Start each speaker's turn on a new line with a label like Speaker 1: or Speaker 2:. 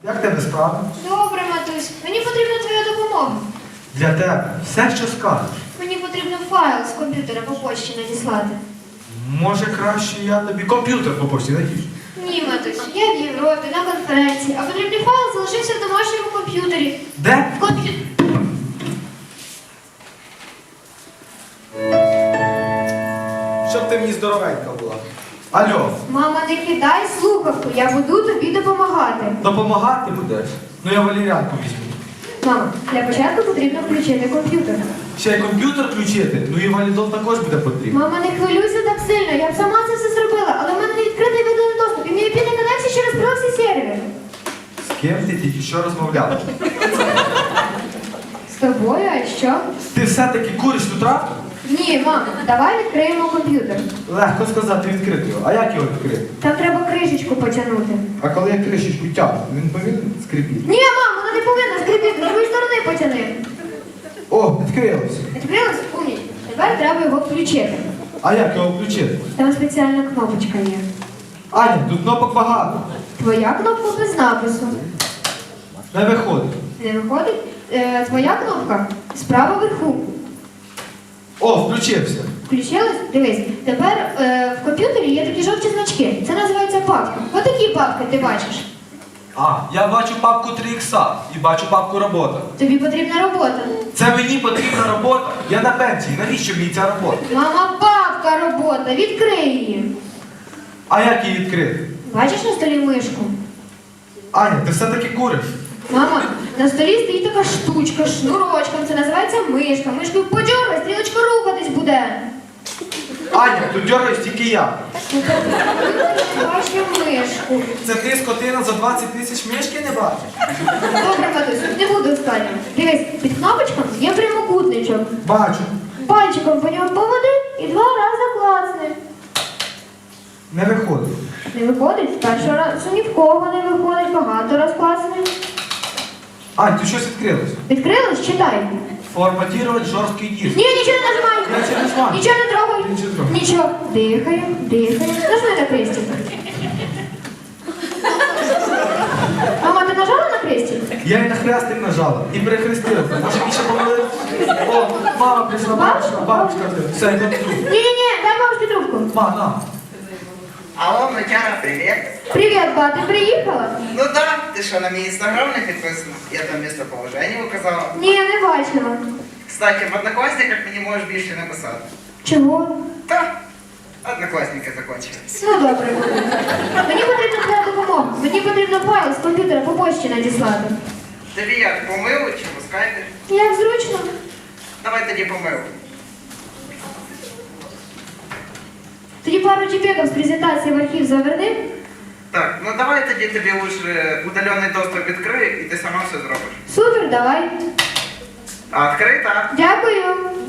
Speaker 1: Як тебе справи?
Speaker 2: Добре, матусь. Мені потрібна твоя допомога.
Speaker 1: Для тебе все, що скажеш.
Speaker 2: Мені потрібно файл з комп'ютера по почті надіслати.
Speaker 1: Може, краще я тобі комп'ютер по почті надішлю?
Speaker 2: Ні, матусь, я в Європі, на конференції, а потрібний файл залишився в домашньому комп'ютері.
Speaker 1: Де?
Speaker 2: В комп'ютері.
Speaker 1: Щоб ти мені здоровенька була. Алло,
Speaker 2: Мама, не кидай слухавку, я буду тобі допомагати.
Speaker 1: допомагати будеш? Ну я валеріанку візьму.
Speaker 2: Мама, для початку потрібно включити комп'ютер.
Speaker 1: Ще й комп'ютер включити, ну і валідол також буде потрібно.
Speaker 2: Мама, не хвилюйся так сильно, я б сама це все зробила, але в мене не відкритий виданий доступ, і мій IP не коннекція через проксі-сервер.
Speaker 1: З ким ти тільки що розмовляла?
Speaker 2: З тобою, а що?
Speaker 1: Ти все-таки куриш ту травку?
Speaker 2: Ні, мам, давай відкриємо комп'ютер.
Speaker 1: Легко сказати відкрити його. А як його відкрити?
Speaker 2: Там треба кришечку потягнути.
Speaker 1: А коли я кришечку тягну, він повинен скрипіти.
Speaker 2: Ні, мам, вона не повинна скрипіти, з другої сторони потяни.
Speaker 1: О, відкрилося.
Speaker 2: Відкрилось? Умніч. Тепер треба його включити.
Speaker 1: А як його включити?
Speaker 2: Там спеціальна кнопочка є.
Speaker 1: Аня, тут кнопок багато.
Speaker 2: Твоя кнопка без напису.
Speaker 1: Не виходить.
Speaker 2: Не виходить? Твоя кнопка справа вверху.
Speaker 1: О, включився.
Speaker 2: Включилась? Дивись. Тепер в комп'ютері є такі жовті значки. Це називається папка. Отакі папки ти бачиш.
Speaker 1: А, я бачу папку 3х і бачу папку робота.
Speaker 2: Тобі потрібна робота.
Speaker 1: Це мені потрібна робота. Я на пенсії. Навіщо мені ця робота?
Speaker 2: Мама, папка робота. Відкрий її.
Speaker 1: А як її відкрити?
Speaker 2: Бачиш на столі мишку?
Speaker 1: Аня, ти все-таки куриш.
Speaker 2: Мама, на столі стоїть така штучка, шнурочком. Це називається мишка. Мишкою подьоргай, стрілочка рухатись буде.
Speaker 1: Аня, тут дергаюсь тільки я.
Speaker 2: Бачу мишку.
Speaker 1: Це ти, скотина, за 20 тисяч мішки не бачиш?
Speaker 2: Добре, матусь, не буду останнім. Дивись, під кнопочком є прямокутничок.
Speaker 1: Бачу.
Speaker 2: Пальчиком по ньому поводи і 2 рази клацни.
Speaker 1: Не виходить.
Speaker 2: Не виходить? Першого разу ні в кого не виходить, багато раз клацни.
Speaker 1: Ань, тут щось відкрилось.
Speaker 2: Відкрилось? Читай.
Speaker 1: Форматувати жорсткий диск.
Speaker 2: Ні, нічого не нажимай.
Speaker 1: Я нічого не нажимаю.
Speaker 2: Нічого не трогай.
Speaker 1: Нічого не трогаю.
Speaker 2: Нічого. Дихаємо, дихаємо. Нажми на крестик. Мама, ти нажала на крестик?
Speaker 1: Я і на хрестик нажала і перехрестилася. Може більше помилити? О, мама прийшла, бабушка, бабушка. Все, я тут.
Speaker 2: Ні-ні-ні, дай бабушці трубку.
Speaker 1: Ма, на.
Speaker 3: Алло, Матяна, привет.
Speaker 2: Привіт, ба, ти приїхала?
Speaker 3: Ну да, ти що, на мій інстаграм не підписана? Я там місцеположення указала.
Speaker 2: Ні, не бачила.
Speaker 3: Кстати, в однокласниках мені можеш більше написати.
Speaker 2: Чого?
Speaker 3: Та, однокласники закончились.
Speaker 2: Ну добре. Мені потрібна твоя допомога. Мені потрібно файл з комп'ютера по почті надіслати.
Speaker 3: Тобі як, по милу чи по скайпі?
Speaker 2: Як зручно?
Speaker 3: Давай тоді по милу.
Speaker 2: Тоді пару чіпеків з презентації в архів заверни.
Speaker 3: Так, ну давай тоді тобі лучше удалений доступ відкрию і ти сама все зробиш.
Speaker 2: Супер, давай.
Speaker 3: А відкрий, так?
Speaker 2: Дякую.